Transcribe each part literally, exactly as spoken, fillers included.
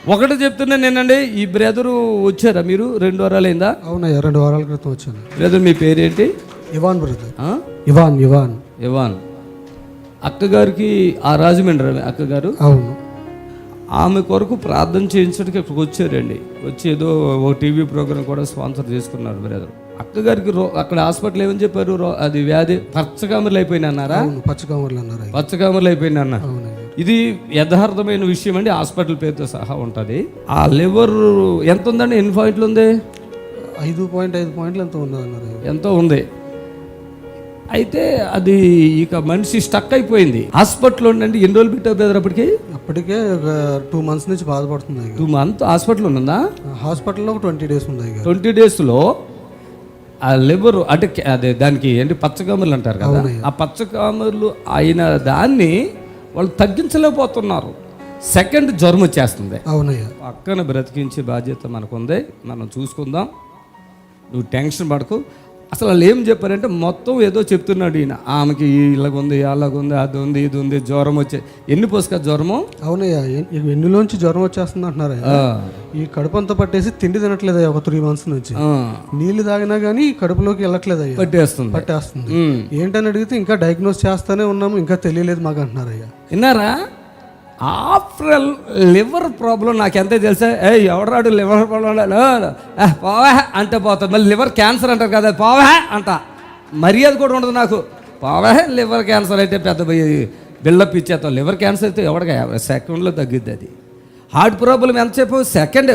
ఒకటి చెప్తున్నా నేనండి, ఈ బ్రదరు వచ్చారా మీరు? రెండు వారాలు అయిందా? అవునయ్యా, రెండు వారాల క్రితం వచ్చాను. బ్రదర్ మీ పేరేంటి? Ivan brother. Ivan Ivan Ivan. అక్కగారికి ఆ రాజమండ్రి అక్కగారు. అవును. ఆమె కొరకు ప్రార్థన చేయించడానికి ఇక్కడికి వచ్చారండి. వచ్చి ఏదో ఓ టీవీ ప్రోగ్రామ్ కూడా స్పాన్సర్ చేసుకున్నారు బ్రదర్. అక్కగారికి రో అక్కడ హాస్పిటల్ ఏమని చెప్పారు? అది వ్యాధి పచ్చకామర్లు అయిపోయినా అన్నారా? పచ్చకామర్లు అన్నారు. పచ్చకామర్లు అయిపోయినా అన్న. ఇది యథార్థమైన విషయం అండి. హాస్పిటల్ పేరుతో సహా ఉంటుంది. ఆ లివర్ ఎంత ఉందండి? ఎన్ని పాయింట్లు ఉంది? ఐదు పాయింట్ ఐదు పాయింట్లు ఎంతో ఉన్నదన్నారు. ఎంతో ఉంది. అయితే అది ఇక మనిషి స్టక్ అయిపోయింది. హాస్పిటల్లో ఉండండి. ఎన్ని రోజులు పెట్టారు బ్రదర్ అప్పటికి? అప్పటికే ఒక టూ మంత్స్ నుంచి బాధపడుతుంది. టూ మంత్ హాస్పిటల్ ఉన్నదా? హాస్పిటల్లో ఒక ట్వంటీ డేస్ ఉంది. ట్వంటీ డేస్లో ఆ లివర్ అంటే అదే దానికి ఏంటి పచ్చకామర్లు అంటారు కదా, ఆ పచ్చకామర్లు అయిన దాన్ని వాళ్ళు తగ్గించలేకపోతున్నారు. సెకండ్ జ్వరం వచ్చేస్తుంది. అవునయ్యా. పక్కన బ్రతికించే బాధ్యత మనకుంది, మనం చూసుకుందాం. నువ్వు టెన్షన్ పడకు. అసలు వాళ్ళు ఏం చెప్పారంటే మొత్తం ఏదో చెప్తున్నాడు ఈయన. ఆమెకి ఇలాగుంది, అలాగుంది, అది ఉంది, ఇది ఉంది, జ్వరం వచ్చే. ఎన్ని పోసుక జ్వరము? అవునయ్యా, ఎన్నిలోంచి జ్వరం వచ్చేస్తుంది అంటున్నారు. ఈ కడుపు అంతా పట్టేసి తిండి తినట్లేదు ఒక త్రీ మంత్స్ నుంచి. నీళ్లు తాగినా కానీ కడుపులోకి వెళ్ళట్లేదు అయ్యా. పట్టేస్తుంది పట్టేస్తుంది ఏంటని అడిగితే ఇంకా డయాగ్నోస్ చేస్తానే ఉన్నాము, ఇంకా తెలియలేదు మాకు అంటున్నారు. అయ్యా విన్నారా? ఆఫ్టర్ లివర్ ప్రాబ్లం నాకు ఎంత తెలుసా? ఏ ఎవడరాడు లివర్ ప్రాబ్లం పోవా అంటే పోతుంది. మళ్ళీ లివర్ క్యాన్సర్ అంటారు కదా, పోవా అంట. మర్యాద కూడా ఉండదు నాకు. పోవా లివర్ క్యాన్సర్ అయితే పెద్ద బిల్డప్ ఇచ్చేస్తాం. లివర్ క్యాన్సర్ అయితే ఎవడగా సెకండ్లో తగ్గిద్ది. అది హార్ట్ ప్రాబ్లం ఎంతసేపు? సెకండ్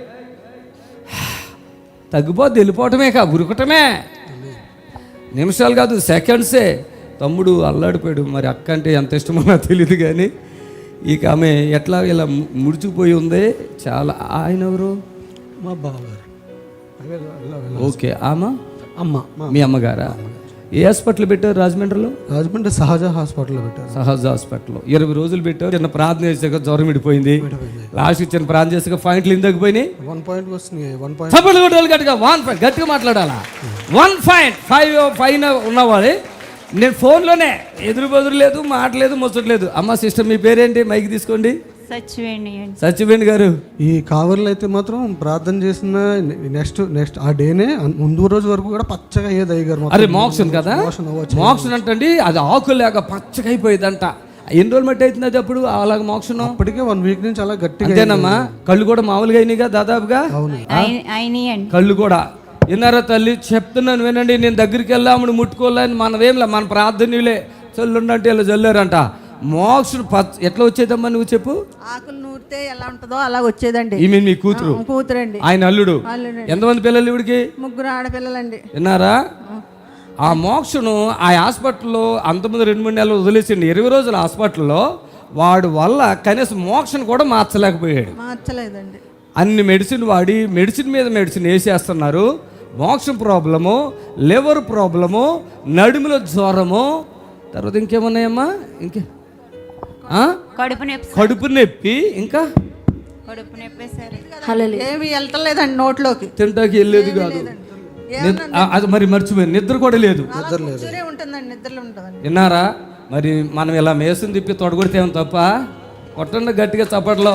తగ్గిపోద్ది. వెళ్ళిపోవటమే కా ఉరకటమే, నిమిషాలు కాదు సెకండ్సే. తమ్ముడు అల్లాడిపోయాడు. మరి అక్క అంటే ఎంత ఇష్టమో నాకు తెలియదు కానీ ఇక ఆమె ఎట్లా ఇలా ముడిచిపోయి ఉంది చాలా. ఆయన ఎవరు? మా బావగారు. ఓకే. ఆమె అమ్మ, మీ అమ్మగారా? ఏ హాస్పిటల్ పెట్టారు రాజమండ్రిలో? రాజమండ్రి సహజ హాస్పిటల్లో పెట్టారు. సహజ హాస్పిటల్లో ఇరవై రోజులు పెట్టారు. చిన్న ప్రార్థన చేసాక జ్వరం విడిపోయింది. లాస్ట్ చిన్న ప్రార్థన చేసాక పాయింట్లు ఇందకపోయినాయి. వన్ పాయింట్ వస్తున్నాయి. వన్ పాయింట్ గట్టిగా వన్ పాయింట్ గట్టిగా మాట్లాడాలా? వన్ పాయింట్ ఫైవ్ పైన ఉన్నవాడే. నేను ఫోన్లోనే ఎదురు బదురు లేదు, మాట్లేదు, ముచ్చట్లేదు. అమ్మ సిస్టర్ మీ పేరేంటి? మైక్ తీసుకోండి. సచివేణి. సచివేణి గారు. ఈ కావర్లు అయితే మాత్రం ప్రార్థన చేసిన నెక్స్ట్ నెక్స్ట్ ఆ డేనే ముందు రోజు వరకు కూడా పచ్చగా అయ్యేది అయ్యారు. అరే మోక్షన్ కదా, మోక్షన్ అంటండి. అది ఆకు లేక పచ్చగా అయిపోయేదంట. ఎన్ని రోజులు మట్టి అవుతుంది అది అప్పుడు అలాగ మోక్షన్? అప్పటికే వన్ వీక్ నుంచి అలా గట్టిగా. అంతేనమ్మా? కళ్ళు కూడా మామూలుగా అయినాయిగా దాదాపుగా. కళ్ళు కూడా. విన్నారా తల్లి? చెప్తున్నాను వినండి. నేను దగ్గరికి వెళ్ళామని ముట్టుకోలేని మనమేంలే, మన ప్రార్థనలే చల్లుండంటే ఇలా చల్లారంట. మోక్షం పచ్చ ఎట్లా వచ్చేదమ్మా నువ్వు చెప్పు? ఆకులు నూరితే ఎలా ఉంటుందో అలా వచ్చేదండి. ఈమె మీ కూతురు? కూతురండి. ఆయన అల్లుడు. ఎంతమంది పిల్లలు ఇవిడికి? ముగ్గురు ఆడపిల్లలండి. విన్నారా? ఆ మోక్షను ఆ హాస్పిటల్లో అంతమంది రెండు మూడు నెలలు వదిలేసిండి. ఇరవై రోజుల హాస్పిటల్లో వాడు వల్ల కనీసం మోక్షను కూడా మార్చలేకపోయాడు. మార్చలేదండి. అన్ని మెడిసిన్ వాడి మెడిసిన్ మీద మెడిసిన్ వేసేస్తున్నారు. మోక్షం ప్రాబ్లము, లివర్ ప్రాబ్లము, నడుముల జ్వరము, తర్వాత ఇంకేమున్నాయమ్మా? ఇంకే కడుపు నొప్పి, కడుపు నొప్పి, ఇంకా కడుపు నొప్పి. ఏమి వెళ్తలేదండి నోట్లోకి. తింటాకి వెళ్ళేది కాదు. అది మరి మర్చిపోయింది. నిద్ర కూడా లేదు. విన్నారా? మరి మనం ఇలా మేసం తిప్పి తొడగొడితే ఏమో తప్ప? కొట్టండి గట్టిగా చప్పట్లో.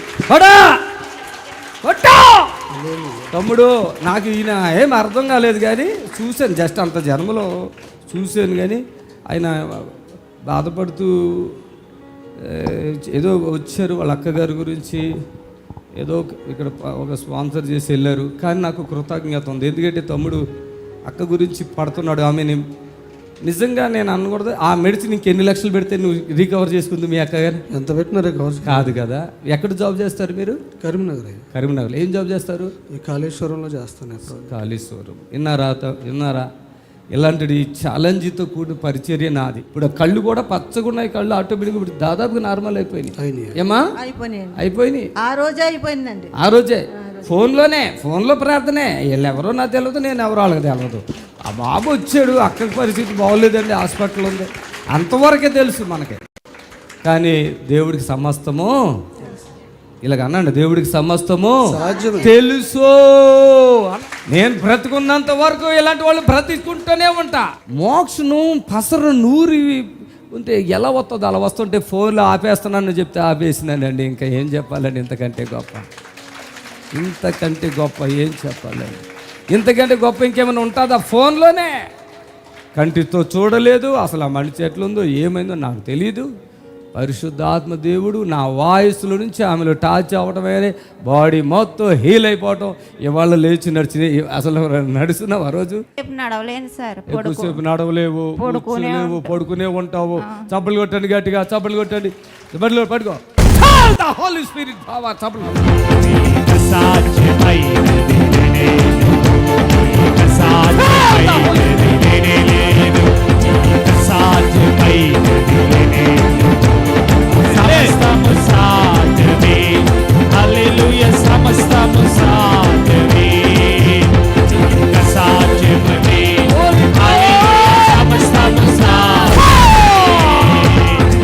తమ్ముడు నాకు ఈయన ఏం అర్థం కాలేదు కానీ చూశాను, జస్ట్ అంత జన్మలో చూశాను. కానీ ఆయన బాధపడుతూ ఏదో వచ్చారు వాళ్ళ అక్కగారి గురించి ఏదో ఇక్కడ ఒక స్పాన్సర్ చేసి వెళ్ళారు. కానీ నాకు కృతజ్ఞత ఉంది. ఎందుకంటే తమ్ముడు అక్క గురించి పడుతున్నాడు. ఆమెని నిజంగా నేను అనకూడదు. ఆ మెడిసిన్ ఇంకెన్ని లక్షలు పెడితే నువ్వు రికవర్ చేసుకుంది మీ అక్క గారు? ఎంత పెట్టినా రికవర్ కాదు కదా. ఎక్కడ జాబ్ చేస్తారు మీరు? కరీంనగర్. కరీంనగర్. ఏం జాబ్ చేస్తారు? కాళేశ్వరంలో చేస్తాను. కాళేశ్వరం. విన్నారా? విన్నారా? ఇలాంటి ఛాలెంజ్తో కూడిన పరిచర్య నాది. ఇప్పుడు కళ్ళు కూడా పచ్చగా ఉన్నాయి. కళ్ళు ఆటోమేటిక్గా ఇప్పుడు దాదాపుగా నార్మల్ అయిపోయినాయి. ఏమా? అయిపోయినాయి. ఆ రోజే అయిపోయిందండి. ఆ రోజే ఫోన్లోనే ఫోన్లో ప్రార్థనే. వీళ్ళు ఎవరో నాకు తెలియదు, నేను ఎవరో వాళ్ళకి తెలియదు. ఆ బాబు వచ్చాడు, అక్కడి పరిస్థితి బాగోలేదండి, హాస్పిటల్ ఉంది, అంతవరకే తెలుసు మనకి. కానీ దేవుడికి సమస్తము ఇలాగ అన్నాడు, దేవుడికి సమస్తము తెలుసు. నేను బ్రతుకున్నంత వరకు ఇలాంటి వాళ్ళు బ్రతికుంటూనే ఉంటా. మోక్షను పసరు నూరి ఉంటే ఎలా వస్తుందో అలా వస్తుంటే ఫోన్లో ఆపేస్తున్నానని చెప్తే ఆపేసినానండి. ఇంకా ఏం చెప్పాలండి, ఇంతకంటే గొప్ప, ఇంతకంటే గొప్ప ఏం చెప్పాలండి, ఇంతకంటే గొప్ప ఇంకేమైనా ఉంటుందా? ఫోన్లోనే కంటితో చూడలేదు, అసలు ఆ మనిషి ఎట్లుందో ఏమైందో నాకు తెలియదు. పరిశుద్ధాత్మ దేవుడు నా వాయిస్లో నుంచి ఆమెలో టాచ్ అవ్వటమే బాడీ మొత్తం హీల్ అయిపోవటం. ఇవాళ లేచి నడిచింది. అసలు నడుస్తున్నావు ఆ రోజు? నడవలేను సార్. ఎక్కువసేపు నడవలేవు, కూర్చోలేవు, పడుకునే ఉంటావు. చప్పలు కొట్టండి గట్టిగా, చప్పలు కొట్టండి, బడిలో పడుకో. హోలీ స్పిరిట్ బావా చప్పలు. సమస్తము సాధ్యమే, హల్లెలూయా, సమస్తము సాధ్యమే, సాధ్యమే, హల్లెలూయా, సమస్తము సాధ్యమే.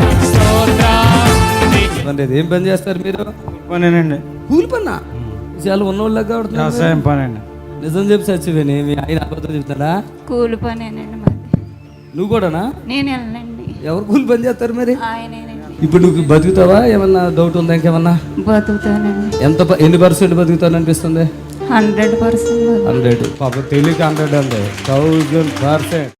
స్తోత్రం. ఏం పని చేస్తారు మీరు? పనేనండి. కూలి పన్నా? చాలా ఉన్నోళ్ళగా వ్యవసాయం పనండి. నిజం చెప్పి చచ్చిపోయి మీ ఆయన అబద్ధం చెప్తాడా? కూలి పనేనండి మాది. నువ్వు కూడానా? నేను వెళ్ళండి. ఎవరు కూలి పని చేస్తారు మరి? ఆయనేనండి. ఇప్పుడు నువ్వు బతుకుతావా? ఏమన్నా డౌట్ ఉందా ఇంకేమన్నా? బతుకుతానండి. ఎంత ప- ఎన్ని పర్సెంట్ బతుకుతాను అనిపిస్తుంది? Hundred percent. హండ్రెడ్. పాప తెలియక హండ్రెడ్ అండి, థౌజండ్ పర్సెంట్.